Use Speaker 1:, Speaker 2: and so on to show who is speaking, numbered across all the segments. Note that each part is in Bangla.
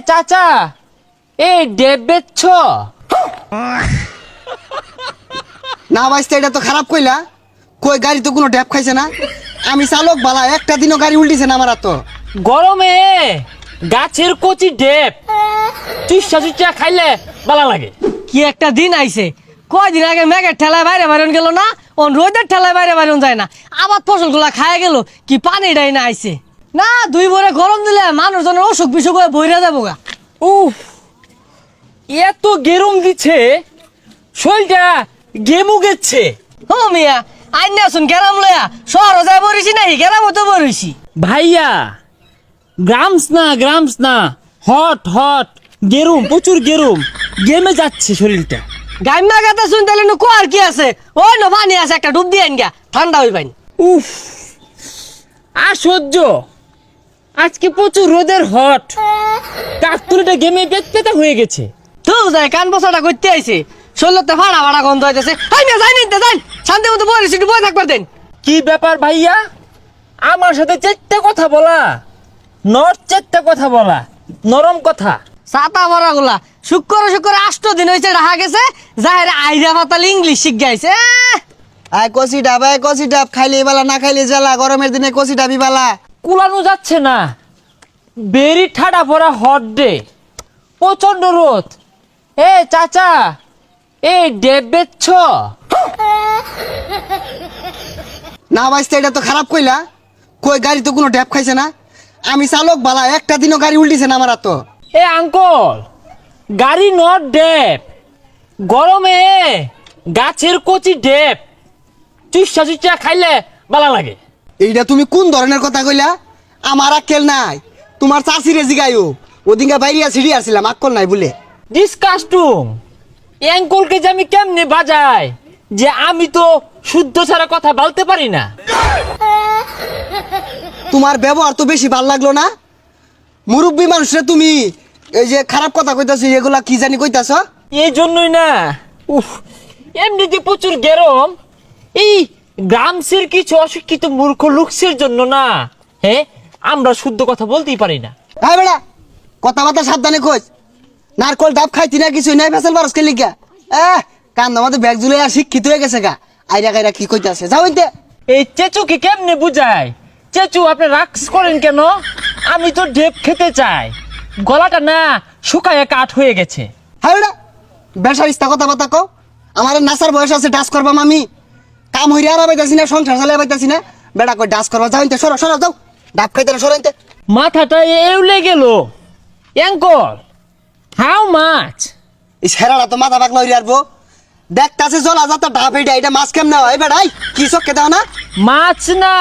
Speaker 1: চাচা এই ডেব বেচছ?
Speaker 2: না ভাইস্তা, এটা তো খারাপ কইলা। কই গাড়ি তো কোনো ড্যাপ খাইছে না। আমি চালক বালা, একটা দিনও গাড়ি উল্টিছে না আমার। তো
Speaker 1: গরমে গাছের কচি ডেব চুষা চুষা খাইলে ভালো লাগে।
Speaker 3: কি একটা দিন আইছে, কয়দিন আগে মেঘের ঠেলায় বাইরে বাইরন গেল না, ও রোদের ঠেলায় বাইরে বাইরন যায় না, আবার ফসলগুলা খায় গেল। কি পানিটাই না আইছে না, দুই ভরে গরম দিলে মানুষজনের অসুখ বিসুখ হয়ে বইরা যাবো গা।
Speaker 1: উফ, এত গেরম দিচ্ছে, শরীরটা গেমু গেছে।
Speaker 3: ও মিয়া, আইন আসুন গেরাম লয়া শহর যায় বরিছি নাই, গেরাম তো বরিছি।
Speaker 1: ভাইয়া গ্রামস না, হট হট গেরুম, প্রচুর গেরুম, গেমে যাচ্ছে শরীরটা।
Speaker 3: গাইমা গাতা শুন তাহলে নু কোয়ার কি আছে, ওই নো পানি আছে, একটা ডুব দিয়ে আইন গা, ঠান্ডা হই পাইন।
Speaker 1: উফ, আর সহ্য। আজকে প্রচুর রোদের হট, কাকতুলিটা গেমে পেতা হয়ে গেছে।
Speaker 3: তো যায় কান বসাটা করতে আইছে, শরীরতে ফাড়া ফাড়া গন্ধ হইতেছে। আই না যাই নিতে যাই, শান্তি মতো বরিছি, একটু বই থাকবার দেন।
Speaker 1: কি ব্যাপার ভাইয়া, আমার সাথে চেট্টা কথা বলা, চেট্টা কথা বলা, নরম কথা।
Speaker 3: ছাতা ভরা গুলা শুক্র 8 দিন হয়েছে রাখা গেছে, যাহের আইরা পাতাল ইংলিশ শিখ গাইছে।
Speaker 2: আয় কষি ডাব, আয় কষি ডাব, খাইলে বালা না খাইলে জ্বালা। গরমের দিনে কষি ডাবি বালা।
Speaker 1: কুলানো যাচ্ছে না, বেরি ঠাডা পড়া হট ডে, প্রচন্ড রোদ। এ চাচা এই ডেব বেচছ?
Speaker 2: না ভাইস্তা, এটা তো খারাপ কইলা। কই গাড়ি তো কোনো ড্যাপ খাইছে না। আমি চালক বালা, একটা দিনও গাড়ি উল্টিছে না আমার। তো
Speaker 1: এ আঙ্কল, গাড়ি নট ডেব, গরমে গাছের কচি ডেব চুষা চুষা খাইলে ভালো লাগে।
Speaker 2: এইটা তুমি কোন ধরনের কথা কইলা? আমার আক্কেল নাই। তোমার চাষিরে জিগাইও, ওদিনকে বাইরিয়া ছিড়ি আসছিলাম, আক্কল নাই বলে।
Speaker 1: ডিসকাস্টুম, অ্যাঙ্কলকে যে আমি কেমনে বাজাই, যে আমি তো শুদ্ধ ছাড়া কথা বলতে পারি না।
Speaker 2: তোমার ব্যবহার তো বেশি ভাল লাগলো না। মুরব্বী মানুষরা তুমি এই যে খারাপ কথা কইতাছো, এগুলা কি জানি কইতাছ।
Speaker 1: এই জন্যই না, উফ, এমনিতে প্রচুর গরম। এই গ্রামসের কিছু অশিক্ষিত মূর্খ লোকসের জন্য না, হ্যাঁ, আমরা শুদ্ধ কথা বলতেই পারি না।
Speaker 2: হ্যাঁ বেড়া, কথাবার্তা সাবধানে কইস। নারকল ডাব খাইতি না, কিছু নাই, ফেসাল বারস কে লিখা। কান আমাদের ব্যাগ জুলে আর শিক্ষিত হয়ে গেছে গা। আইরা গাইরা কি কইতাছে, যাও ইনতে।
Speaker 1: এই চেচুকে কেমনে বুঝায়? চেচু, আপনি রাক্স করেন কেন? আমি তো ডেপ খেতে চাই, গলাটা না শুকায় কাঠ হয়ে গেছে।
Speaker 2: হ্যাঁ বেড়া, বেসার ইস্তা কথাবার্তা কও। আমার নাসার বয়স আছে, ডাস করবাম আমি। কাম হইরে আর পাইতাছি না, সংসার চালাই পাইতাছি না। বেড়া কই ডাস করবা, যাও ইনতে, সরো সরো, যাও। ডাব খাইতে না, সরো ইনতে।
Speaker 1: মাথাটা এউলে গেল। Uncle, how much?
Speaker 2: এই ছেড়াটা তো মাথা পাকলা হইরে আসবো। দেখতাছে জলা যাতা ডাব, এটা মাছ কেমনে হয় বেড়াই? কি চক্কে দাও না?
Speaker 1: মাছ না,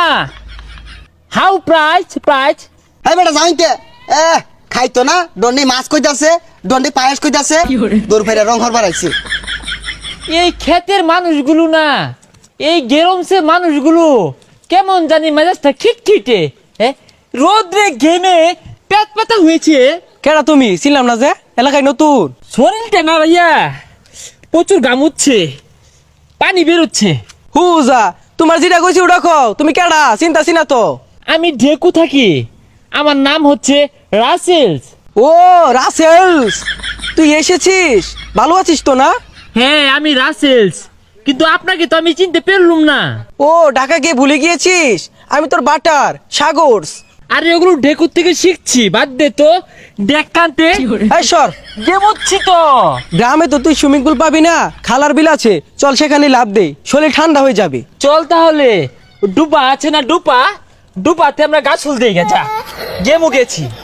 Speaker 1: হাউ প্রাইস?
Speaker 2: হ্যাঁ বেটা, যাও ইনতে। খাইতো না, দন্ডি মাছ কইতাছে, দন্ডি পায়েস কইতাছে, দূর ফেরে রং হরবার আইছে।
Speaker 1: এই ক্ষেতের মানুষগুলো না, এই গেরমসে মানুষগুলো কেমন জানি মেজাজটা খিটখিটে, হ্যাঁ, রোদ্রে ঘেমে পেট পাতা হয়েছে।
Speaker 3: কেডা তুমি? ছিলাম না যে এলাকায় নতুন।
Speaker 1: শরীরটা না ভাইয়া প্রচুর গামুচ্ছে, পানি বেরোচ্ছে।
Speaker 3: হুজা, তোমার যেটা কইছি ওটা কও। তুমি কেডা? চিন্তা চিনা তো।
Speaker 1: আমি ঢেকু থাকি, আমার নাম হচ্ছে রাসেলস।
Speaker 3: ও রাসেলস, তুই এসেছিস? ভালো আছিস তো না?
Speaker 1: হ্যাঁ, আমি রাসেলস, কিন্তু আপনাকে তো আমি চিনতে পারলুম না।
Speaker 3: ও ঢাকা গিয়ে ভুলে গিয়েছিস? আমি তোর বাটার সাগরস।
Speaker 1: আরে ওগুলো ঢেকুর থেকে শিখছি, বাদ দে তো। দেখ কানতে
Speaker 3: এই সর,
Speaker 1: গেমুচ্ছি তো।
Speaker 3: গ্রামে তো তুই সুইমিং পুল পাবি না, খালার বিল আছে, চল সেখানে লাভ দে, শরীর ঠান্ডা হয়ে যাবে।
Speaker 1: চল তাহলে, ডুবা আছে না, ডুপাতে আমরা গাছ ফুল দিয়ে গেছা, গেমু গেছি।